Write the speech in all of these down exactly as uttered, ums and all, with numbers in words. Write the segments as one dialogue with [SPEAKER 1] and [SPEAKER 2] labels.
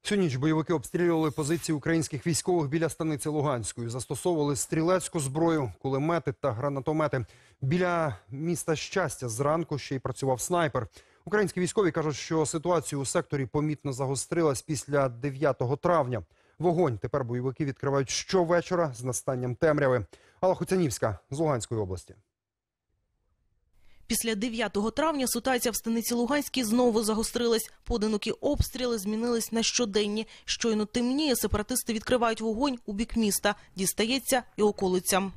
[SPEAKER 1] Цю ніч бойовики обстрілювали позиції українських військових біля станиці Луганської. Застосовували стрілецьку зброю, кулемети та гранатомети. Біля міста Щастя зранку ще й працював снайпер. Українські військові кажуть, що ситуація у секторі помітно загострилась після дев'ятого травня. Вогонь тепер бойовики відкривають щовечора з настанням темряви. Алла Хуцянівська з Луганської області.
[SPEAKER 2] Після дев'ятого травня ситуація в станиці Луганській знову загострилась. Поодинокі обстріли змінились на щоденні. Щойно темніє, сепаратисти відкривають вогонь у бік міста. Дістається і околицям.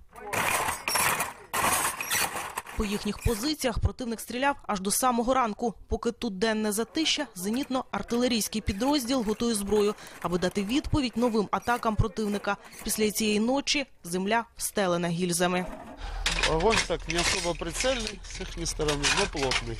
[SPEAKER 2] По їхніх позиціях противник стріляв аж до самого ранку. Поки тут денне затища, зенітно-артилерійський підрозділ готує зброю, аби дати відповідь новим атакам противника. Після цієї ночі земля встелена гільзами.
[SPEAKER 3] Огонь так не особо прицельный с их стороны, но плотный.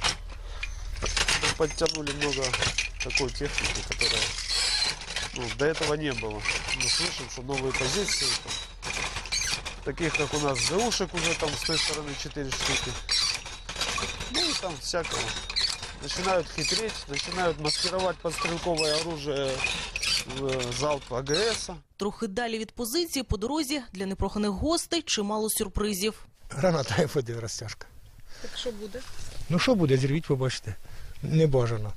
[SPEAKER 3] Подтянули много такой техники, которая ну, до этого не было. Мы слышим, что новые позиции, там, таких как у нас ЗУшек уже там с той стороны четыре штуки. Ну и там всякого. Начинают хитрить, начинают маскировать подстрелковое оружие в залп АГСа.
[SPEAKER 2] Трохи далі від позиції по дорозі для непроханих гостей чимало сюрпризів.
[SPEAKER 4] Граната і води розтяжка.
[SPEAKER 2] Так що буде?
[SPEAKER 4] Ну що буде, зірвіть, побачите. Не бажано.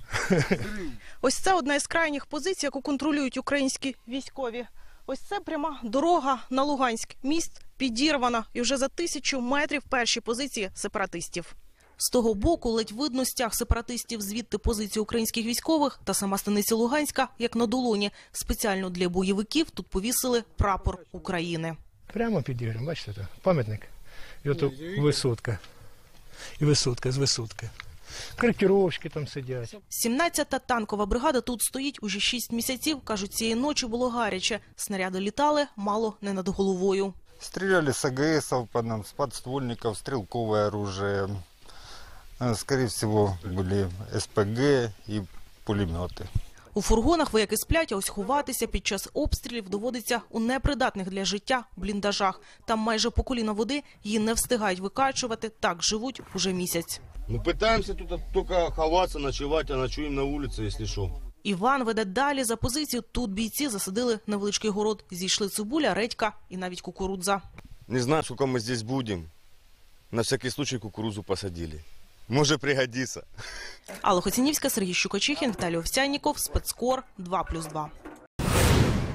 [SPEAKER 2] Ось це одна із крайніх позицій, яку контролюють українські військові. Ось це пряма дорога на Луганськ. Міст підірвана і вже за тисячу метрів перші позиції сепаратистів. З того боку ледь видно стяг сепаратистів, звідти позиції українських військових та сама станиця Луганська, як на долоні. Спеціально для бойовиків тут повісили прапор України.
[SPEAKER 4] Прямо під Ігорем, бачите, так? Пам'ятник. І от висотка. І висотка з висотки. Коректировщики там сидять.
[SPEAKER 2] сімнадцята танкова бригада тут стоїть уже шість місяців. Кажуть, цієї ночі було гаряче. Снаряди літали мало не над головою.
[SPEAKER 5] Стреляли с АГСов по нам, с подствольников, стрелковое оружие. Скорее всего, были СПГ и пулеметы.
[SPEAKER 2] У фургонах вояки сплять, а ось ховатися під час обстрілів доводиться у непридатних для життя бліндажах. Там майже по коліна води, її не встигають викачувати, так живуть уже місяць.
[SPEAKER 6] Мы пытаемся тут только ховаться, ночевать, а ночуем на улице, если что.
[SPEAKER 2] Іван веде далі за позицію. Тут бійці засадили невеличкий город. Зійшли цибуля, редька і навіть кукурудза.
[SPEAKER 6] Не знаю, сколько мы здесь будем. На всякий случай кукурузу посадили. Может пригодится.
[SPEAKER 2] Алла Хоцянівська, Сергій Щукачихін, Віталій Овсянніков, Спецкор, два плюс два.